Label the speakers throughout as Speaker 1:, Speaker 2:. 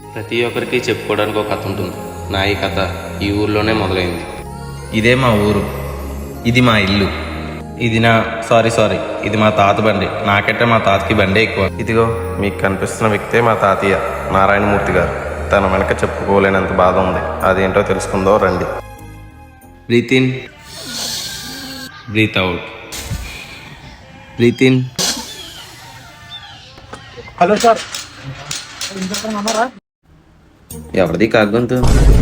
Speaker 1: ప్రతి ఒక్కరికి చెప్పుకోవడానికి ఒక కథ ఉంటుంది. నా ఈ కథ ఈ ఊర్లోనే మొదలైంది.
Speaker 2: ఇదే మా ఊరు, ఇది మా ఇల్లు, ఇది నా సారీ ఇది మా తాత బండి. నాకంటే మా తాతకి బండే ఎక్కువ.
Speaker 1: ఇదిగో మీకు కనిపిస్తున్న వ్యక్తే మా తాతయ్య నారాయణమూర్తి గారు. తన వెనక చెప్పుకోలేనంత బాధ ఉంది. అదేంటో తెలుసుకుందో రండి. Breathe in, breathe out, breathe in.
Speaker 3: Hello sir,
Speaker 1: ఎవరిది కాగొంతు?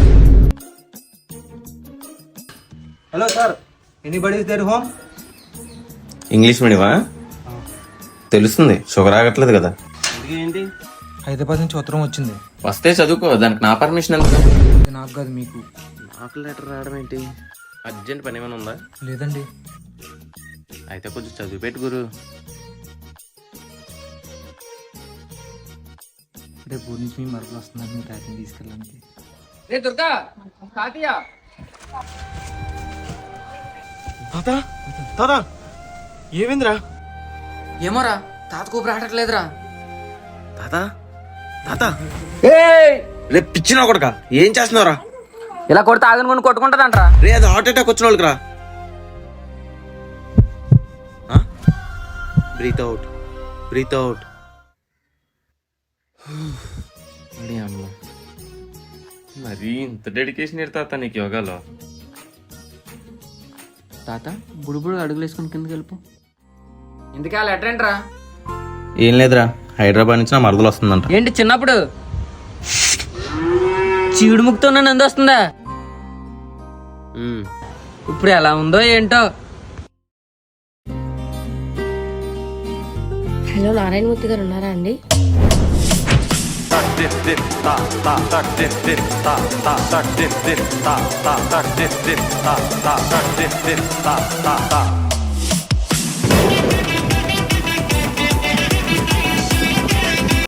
Speaker 3: Hello sir, anybody is there home?
Speaker 1: English మీడియమా? తెలుస్తుంది, షుగర్ ఆగట్లేదు కదా.
Speaker 3: ఏంటి?
Speaker 4: హైదరాబాద్ నుంచి ఉత్తరం వచ్చింది.
Speaker 1: వస్తే చదువుకో, దానికి నా పర్మిషన్ ఎందుకు?
Speaker 4: ఇది నాకు కాదు, మీకు.
Speaker 1: నాకు లెటర్ రావడం ఏంటి? అర్జెంట్ పని ఏమైనా ఉందా?
Speaker 4: లేదండి.
Speaker 1: అయితే కొంచెం చదివి పెట్టు గురు.
Speaker 4: రేపు ఊరి నుంచి మీ మరకలు వస్తున్నారు, మీ తాతని తీసుకెళ్ళడానికి.
Speaker 5: రే దుర్గా, తాతయ్య.
Speaker 3: తాత ఏమైందిరా?
Speaker 5: ఏమోరా, తాత కూపు రావట్లేదురా.
Speaker 2: తాత రేపు పిచ్చిన కొడక ఏం చేస్తున్నావురా?
Speaker 5: ఇలా కొడితే ఆగను కొని కొట్టుకుంటారంట్రా.
Speaker 2: రే అది హార్ట్ అటాక్ వచ్చిన వాళ్ళకి రా. Breathe out, breathe out.
Speaker 1: మరి ఇంత డెడికేషన్ తాత నీకు యోగాలో?
Speaker 5: తాత బుడుబుడు అడుగులు వేసుకుని కిందకి వెళ్ళిపో. ఇందుకే లెటర్ ఏంట్రా?
Speaker 2: ఏం లేదురా, హైదరాబాద్ నుంచి నా మరదలు వస్తుందంట.
Speaker 5: ఏంటి చిన్నప్పుడు చీడు ముక్తో నంది వస్తుందా? ఇప్పుడు ఎలా ఉందో ఏంటో.
Speaker 6: హలో, నారాయణమూర్తి గారు ఉన్నారా అండి?
Speaker 7: Ta